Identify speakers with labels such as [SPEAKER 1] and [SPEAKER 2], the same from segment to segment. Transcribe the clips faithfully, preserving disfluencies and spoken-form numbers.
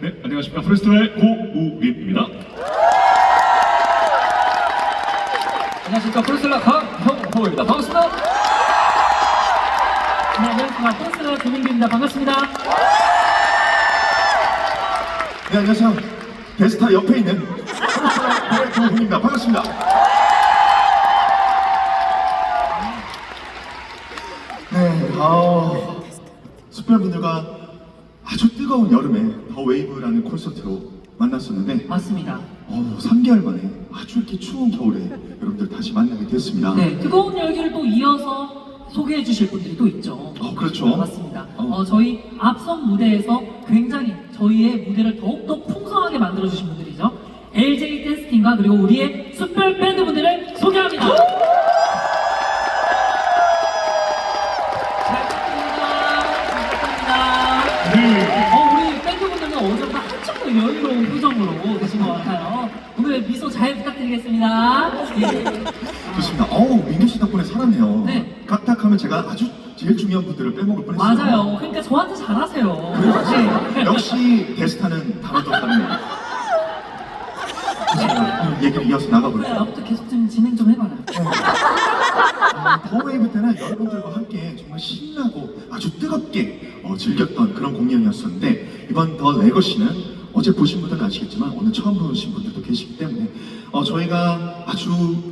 [SPEAKER 1] 네, 안녕하십니까. 프레스토의 고우림입니다.
[SPEAKER 2] 안녕하십니까. 프로스라 강형호입니다. 반갑습니다.
[SPEAKER 3] 네, 안녕하십니까. 프로스라 조민규입니다. 반갑습니다.
[SPEAKER 4] 네, 안녕하세요. 데스타 옆에 있는 프로스의 조훈입니다. 반갑습니다. 네, 아, 숙별분들과 아주 뜨거운 여름에 더 웨이브라는 콘서트로 만났었는데
[SPEAKER 3] 맞습니다.
[SPEAKER 4] 어, 삼 개월 만에 아주 이렇게 추운 겨울에 여러분들 다시 만나게 됐습니다.
[SPEAKER 3] 네, 뜨거운 열기를 또 이어서 소개해 주실 분들이 또 있죠.
[SPEAKER 4] 어, 그렇죠.
[SPEAKER 3] 맞습니다.
[SPEAKER 4] 어.
[SPEAKER 3] 어, 저희 앞선 무대에서 굉장히 저희의 무대를 더욱더 풍성하게 만들어 주신 분들이죠. 엘제이 댄스팀과 그리고 우리의 숙별 밴드 분들을 소개합니다. 잘 부탁드립니다. 잘 부탁드립니다.
[SPEAKER 1] 네.
[SPEAKER 3] 어, 우리 밴드분들은 어제보다 한층 더 여유로운 표정으로 계신 것 같아요. 오늘 미소 잘 부탁드리겠습니다. 예.
[SPEAKER 4] 좋습니다. 어우, 민규 씨 덕분에 살았네요.
[SPEAKER 3] 네.
[SPEAKER 4] 각탁하면 제가 아주 제일 중요한 분들을 빼먹을 뻔했어요.
[SPEAKER 3] 맞아요. 그러니까 저한테 잘하세요. 네.
[SPEAKER 4] 역시 데스타는 다르던 다르네요. 좋습니다. 얘기를 이어서
[SPEAKER 3] 그래,
[SPEAKER 4] 나가볼게요.
[SPEAKER 3] 나부터 계속 좀 진행 좀 해봐라.
[SPEAKER 4] 어, 더웨이브 때는 여러분들과 함께 정말 신나고 아주 뜨겁게 어, 즐겼던 그런 공연이었었는데, 이번 더 레거시는 어제 보신 분들은 아시겠지만 오늘 처음 보신 분들도 계시기 때문에 어, 저희가 아주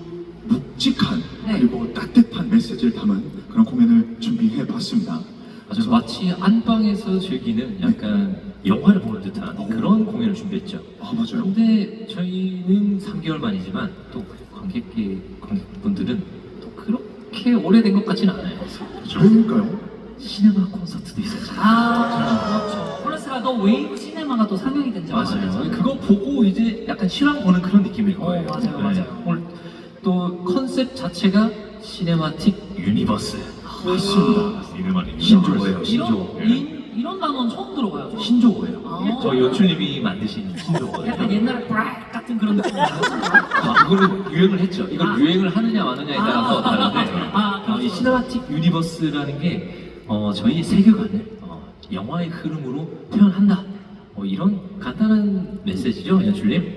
[SPEAKER 4] 묵직한
[SPEAKER 3] 네.
[SPEAKER 4] 그리고 따뜻한 메시지를 담은 그런 공연을 준비해 봤습니다.
[SPEAKER 2] 맞아요. 마치 안방에서 즐기는 약간 영화를 보는 듯한 그런 공연을 준비했죠.
[SPEAKER 4] 아, 맞아요.
[SPEAKER 2] 근데 저희는 삼 개월 만이지만 또 관객기, 관객분들은 또 그렇게 오래된 것 같지는 않아요.
[SPEAKER 4] 왜일까요?
[SPEAKER 2] 시네마 콘서트도 있었잖아요.
[SPEAKER 3] 아, 그렇죠. 플러스가 더 웨이브 시네마가 또 상영이 된죠.
[SPEAKER 2] 맞아요. 그거 보고 이제 약간 실황 보는 그런 느낌일 거예요.
[SPEAKER 3] 어, 맞아요, 맞아요.
[SPEAKER 2] 오늘 또 컨셉 자체가 시네마틱 유니버스.
[SPEAKER 4] 맞습니다.
[SPEAKER 1] 이름은
[SPEAKER 2] 신조어예요. 신조어.
[SPEAKER 3] 이런, 이, 이런 단어는 처음 들어봐요.
[SPEAKER 2] 신조어예요.
[SPEAKER 3] 아.
[SPEAKER 2] 저희 연출님이 만드신 신조어예요.
[SPEAKER 3] 약간 옛날에 브라이 같은 그런 느낌.
[SPEAKER 2] 아, 그거는 유행을 했죠. 이걸
[SPEAKER 3] 아.
[SPEAKER 2] 유행을 하느냐 마느냐에 따라서
[SPEAKER 3] 아.
[SPEAKER 2] 다른데
[SPEAKER 3] 아,
[SPEAKER 2] 어, 이 시네마틱 유니버스라는 게 어, 저희의 세계관을 어, 영화의 흐름으로 표현한다. 뭐 이런 간단한 메시지죠, 연출님?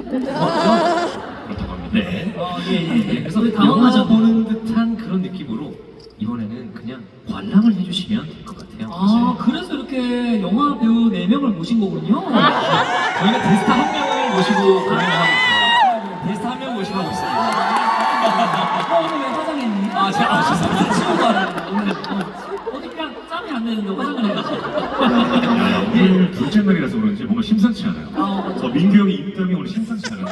[SPEAKER 2] 맞죠?
[SPEAKER 1] 그렇다고 합니다.
[SPEAKER 2] 네.
[SPEAKER 3] 어, 예, 예, 예.
[SPEAKER 2] 그래서
[SPEAKER 3] 우리
[SPEAKER 2] 영화
[SPEAKER 3] 당황하죠.
[SPEAKER 2] 보는 듯한 그런 느낌으로 이번에는 그냥 관람을 해주시면 될 것 같아요.
[SPEAKER 3] 아, 그래서 이렇게 영화 배우 네 명을 모신 거군요.
[SPEAKER 2] 저희가 데스타 한 명을 모시고 공연을 하고 있어요. 데스타 한 명 모시고 하고 있어요.
[SPEAKER 3] 어, 오늘 왜 화장했니?
[SPEAKER 2] 아, 제가 아, 죄송합니다.
[SPEAKER 3] 치우고 하라고. 오늘 어. 어디 그냥 짬이 안 되는데 화장을 해가지고.
[SPEAKER 1] 야, 오늘 둘째 날이라서 그런지 뭔가 심상치 않아요.
[SPEAKER 3] 아,
[SPEAKER 1] 저 민규 형이 입담이 오늘 심상치 않은데.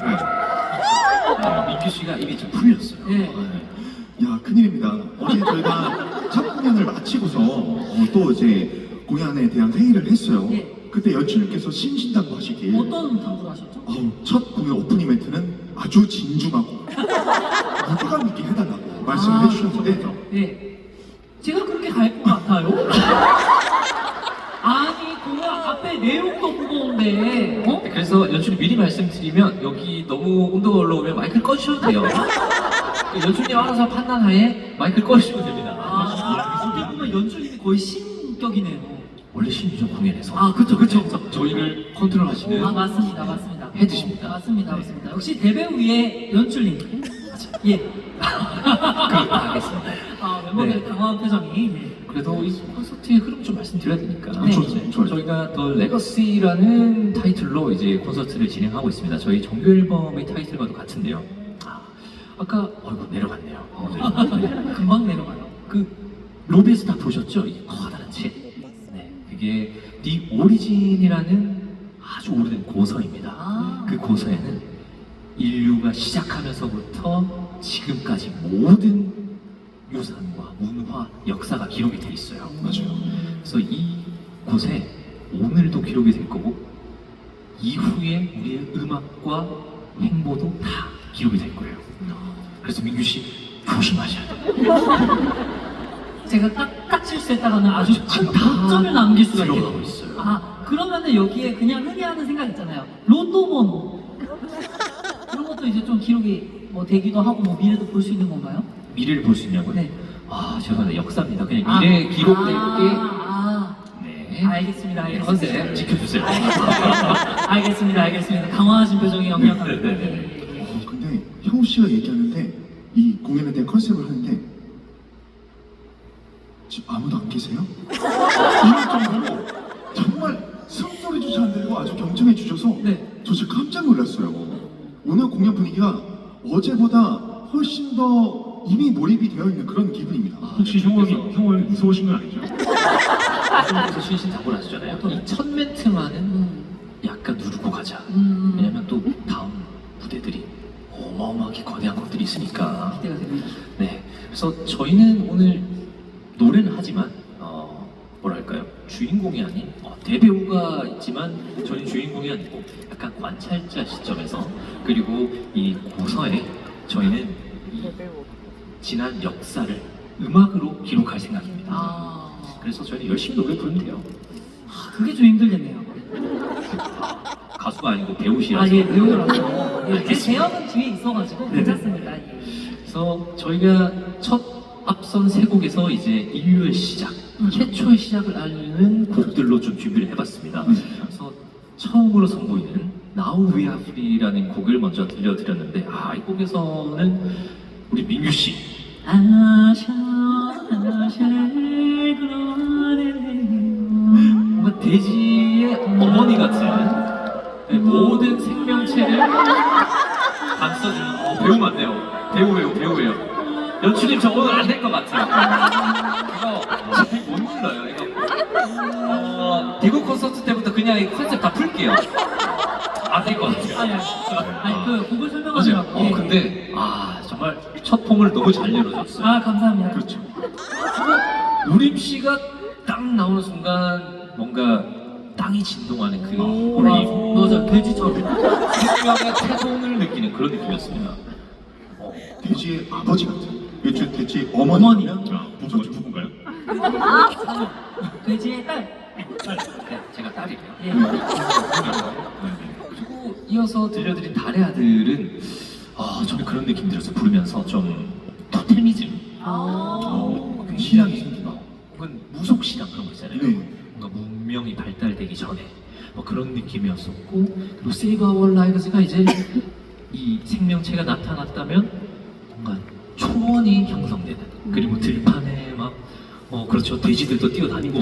[SPEAKER 2] 아, 민규 씨가 입이 좀 풀렸어요.
[SPEAKER 3] 예.
[SPEAKER 4] 야, 큰일입니다. 어제 저희가 첫 공연을 마치고서 어, 또 이제 공연에 대한 회의를 했어요.
[SPEAKER 3] 예.
[SPEAKER 4] 그때 연출님께서 신신당부 하시길
[SPEAKER 3] 어떤 당부를 하셨죠?
[SPEAKER 4] 어우, 첫 공연 오픈 이벤트는 아주 진중하고 무게감 있게 해달라고 말씀을
[SPEAKER 3] 아,
[SPEAKER 4] 해주셨는데
[SPEAKER 3] 예. 제가 그렇게 갈 것 같아요? 아니, 공연 앞에 내용도 무거운데, 어?
[SPEAKER 2] 그래서 연출이 미리 말씀드리면 여기 너무 온도가 올라오면 마이크를 꺼주셔도 돼요. 연출님 알아서 판단하에 마이크를 꺼주시면 됩니다.
[SPEAKER 3] 아, 어떻게 보면 연출님이 거의 신격이네요.
[SPEAKER 2] 원래 신유정 공연에서
[SPEAKER 3] 아, 그쵸, 그쵸, 그쵸.
[SPEAKER 2] 저희를 컨트롤하시는
[SPEAKER 3] 아, 맞습니다, 맞습니다.
[SPEAKER 2] 헤드십니다.
[SPEAKER 3] 어, 맞습니다,
[SPEAKER 2] 네.
[SPEAKER 3] 맞습니다. 역시 대배우 위에 연출님. 예.
[SPEAKER 2] 그렇다 하겠습니다.
[SPEAKER 3] 아, 멤버들의
[SPEAKER 2] 네.
[SPEAKER 3] 당황한 표정이. 예.
[SPEAKER 2] 그래도 이 콘서트의 흐름 좀 말씀드려야 되니까.
[SPEAKER 3] 네.
[SPEAKER 4] 좋죠, 좋아요.
[SPEAKER 2] 저희가 더 레거시라는 타이틀로 이제 콘서트를 진행하고 있습니다. 저희 정규 앨범의 타이틀과도 같은데요. 아, 아까 어이구 내려갔네요. 어, 네.
[SPEAKER 3] 금방 내려가요.
[SPEAKER 2] 그 로비에서 다 보셨죠? 이 커다란 책. 네, 그게 디 오리진이라는 아주 오래된 고서입니다.
[SPEAKER 3] 아.
[SPEAKER 2] 그 고서에는 인류가 시작하면서부터 지금까지 모든 유산과 문화, 역사가 기록이 돼 있어요.
[SPEAKER 4] 맞아요.
[SPEAKER 2] 그래서 이 곳에 오늘도 기록이 될 거고 이후에 우리의 음악과 행보도 다 기록이 될 거예요. 그래서 민규 씨 조심하셔야 돼요.
[SPEAKER 3] 제가 딱, 딱 실수했다가는 아주 큰
[SPEAKER 2] 지금 다
[SPEAKER 3] 고점을 남길 수가 있겠네요.
[SPEAKER 2] 들어가고 있어요.
[SPEAKER 3] 아, 그러면은 여기에 그냥 흔히 하는 생각 있잖아요. 로또 번호. 그런 것도 이제 좀 기록이 뭐 되기도 하고 뭐 미래도 볼 수 있는 건가요?
[SPEAKER 2] 미래를 볼 수 있냐고요?
[SPEAKER 3] 네.
[SPEAKER 2] 아 죄송합니다. 역사입니다. 그냥 미래에 기록될
[SPEAKER 3] 아,
[SPEAKER 2] 게
[SPEAKER 3] 아,
[SPEAKER 2] 네.
[SPEAKER 3] 알겠습니다.
[SPEAKER 2] 네,
[SPEAKER 3] 알겠습니다.
[SPEAKER 2] 컨셉 지켜주세요.
[SPEAKER 3] 알겠습니다. 알겠습니다. 알겠습니다. 당황하신 표정이 역력합니다.
[SPEAKER 2] 네네네.
[SPEAKER 4] 어, 근데 형우 씨가 얘기하는데 이 공연에 대한 컨셉을 하는데 지금 아무도 안 계세요? 이럴 정도로 정말 숨소리조차 안 들리고 아주 경청해 주셔서
[SPEAKER 3] 네.
[SPEAKER 4] 저 진짜 깜짝 놀랐어요. 오늘 공연 분위기가 어제보다 훨씬 더 이미 몰입이 되어 있는 그런 기분입니다.
[SPEAKER 1] 혹시 형이 형이 무서우신 건 아니죠?
[SPEAKER 2] 그래서 신신당부하시잖아요. 이 첫 멘트만은 약간 누르고 가자.
[SPEAKER 3] 음.
[SPEAKER 2] 왜냐면 또 다음 무대들이 어마어마하게 거대한 것들이 있으니까.
[SPEAKER 3] 기대가 됩니다.
[SPEAKER 2] 네. 그래서 저희는 오늘 노래는 하지만 어, 뭐랄까요? 주인공이 아닌 어, 대배우가 있지만 저희는 주인공이 아니고 약간 관찰자 시점에서 그리고 이 고서에 저희는 이 지난 역사를 음악으로 기록할 생각입니다.
[SPEAKER 3] 아,
[SPEAKER 2] 그래서 저희는 열심히 노래 부르면 돼요.
[SPEAKER 3] 그게 좀 힘들겠네요.
[SPEAKER 2] 가수가 아니고 배우시라서.
[SPEAKER 3] 아, 예, 배우라서. 예, 제 제형은 뒤에 있어가지고 괜찮습니다. 예.
[SPEAKER 2] 그래서 저희가 첫 앞선 세 곡에서 이제 인류의 시작, 최초의 시작을 알리는 곡들로 좀 준비를 해봤습니다. 그래서 처음으로 선보이는 Now We Are Free라는 곡을 먼저 들려드렸는데, 아, 이 곡에서는 우리 민규 씨,
[SPEAKER 3] 아샤, 아샤를 그러네요.
[SPEAKER 2] 뭔가 돼지의 어머니 같은 네, 모든 생명체를 감싸주는 어, 배우 맞네요. 배우예요, 배우예요. 연출님 저 오늘 안 될 것 같아요. 이거 잘못 눌러요. 이거 어, 대구 콘서트 때부터 그냥 이 컨셉 다 풀게요. 안 될 것 같아요.
[SPEAKER 3] 아니, 아니, 그 곡을
[SPEAKER 2] 맞아요.
[SPEAKER 3] 설명하느라고.
[SPEAKER 2] 어
[SPEAKER 3] 예.
[SPEAKER 2] 근데 아 정말 첫 폼을 너무 잘 내려줬어요.
[SPEAKER 3] 아, 감사합니다.
[SPEAKER 4] 그렇죠.
[SPEAKER 2] 우림 씨가 딱 나오는 순간 뭔가 땅이 진동하는 그 울림,
[SPEAKER 3] 맞아, 돼지처럼.
[SPEAKER 2] 생명의 태동을 느끼는 그런 느낌이었습니다.
[SPEAKER 4] 돼지의 아버지 같은. 요즘 돼지 어머니면
[SPEAKER 1] 자, 부부 부부인가요?
[SPEAKER 3] 돼지의 딸.
[SPEAKER 2] 네, 제가 딸이에요.
[SPEAKER 3] 예.
[SPEAKER 2] 그리고 이어서 들려드린 달의 아들은 아 저는 그런 느낌 들어서 부르면서 좀 토테미즘,
[SPEAKER 3] 아.
[SPEAKER 2] 어,
[SPEAKER 4] 신앙이
[SPEAKER 2] 굉장히
[SPEAKER 4] 생기나?
[SPEAKER 2] 혹은 무속신앙 그런 거 있잖아요.
[SPEAKER 4] 네.
[SPEAKER 2] 뭔가 문명이 발달되기 전에 뭐 그런 느낌이었었고, 그리고 Save Our Lives가 이제 이 생명체가 나타났다면 뭔가 초원이 형성되는, 그리고 들판에 막 어 그렇죠, 돼지들도 뛰어다니고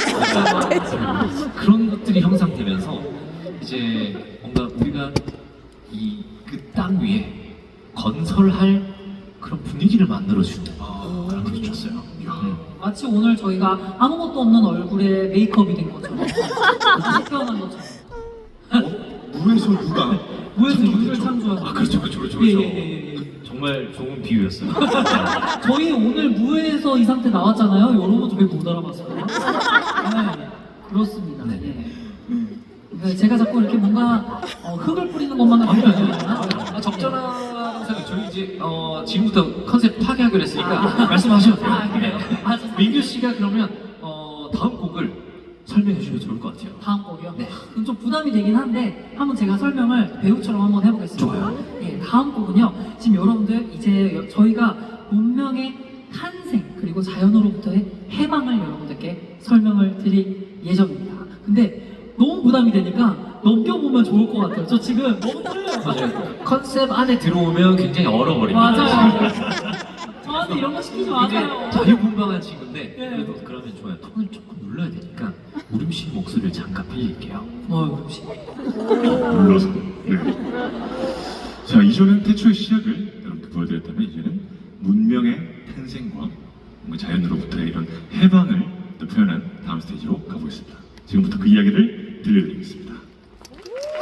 [SPEAKER 2] 그런 것들이 형성되면서 이제 뭔가 우리가 이 그 땅 위에 건설할 그런 분위기를 만들어주는 아, 그런 느낌이 줬어요. 음.
[SPEAKER 3] 마치 오늘 저희가 아무것도 없는 얼굴에 메이크업이 된 것처럼. 다시 태어난 것처럼.
[SPEAKER 4] 무에서 누가
[SPEAKER 3] 무에서
[SPEAKER 4] 창조가
[SPEAKER 3] 유를
[SPEAKER 4] 됐죠?
[SPEAKER 3] 창조한.
[SPEAKER 2] 아 그렇죠, 그렇죠, 그렇죠.
[SPEAKER 3] 예,
[SPEAKER 2] 그렇죠.
[SPEAKER 3] 예, 예, 예.
[SPEAKER 2] 정말 좋은 비유였어요.
[SPEAKER 3] 저희 오늘 무에서 이 상태 나왔잖아요. 여러분도 왜 못 알아봤어요? 네, 그렇습니다.
[SPEAKER 2] 네.
[SPEAKER 3] 예.
[SPEAKER 4] 네.
[SPEAKER 3] 네, 제가 자꾸 이렇게 뭔가 어, 흙을 뿌리는 것만 같은 느낌이나
[SPEAKER 2] 아, 적절한 생각. 저희 이제 어, 지금부터 컨셉 파괴하기로 했으니까 말씀하셔도 돼요.
[SPEAKER 3] 아, 그래요? 아,
[SPEAKER 2] 네. 민규 씨가 그러면 어, 다음 곡을 설명해 주시면 좋을 것 같아요.
[SPEAKER 3] 다음 곡이요?
[SPEAKER 2] 네.
[SPEAKER 3] 그럼 좀 부담이 되긴 한데 한번 제가 설명을 배우처럼 한번 해보겠습니다.
[SPEAKER 2] 좋아요.
[SPEAKER 3] 예, 다음 곡은요. 지금 여러분들 이제 여- 저희가 문명의 탄생 그리고 자연으로부터의 해방을 여러분들께 설명을 드릴 예정입니다. 근데 너무 부담이 되니까 넘겨보면 좋을 것 같아요. 저 지금 너무 떨려요.
[SPEAKER 2] 맞아요. 컨셉 안에 들어오면 굉장히 얼어버립니다.
[SPEAKER 3] 맞아요. 저한테 이런 거 시키지 마세요.
[SPEAKER 2] 굉장히 자유분방한 친구인데
[SPEAKER 3] 네.
[SPEAKER 2] 그래도 그러면 좋아요. 톤을 조금 눌러야 되니까 우림 씨 목소리를 잠깐 빌릴게요.
[SPEAKER 3] 어, 혹시
[SPEAKER 1] 눌러서. 네. 자, 이전엔 태초의 시작을 여러분께 보여드렸다면 이제는 문명의 탄생과 뭔가 자연으로부터의 이런 해방을 또 표현한 다음 스테이지로 가보겠습니다. 지금부터 그 이야기를 들려드리겠습니다.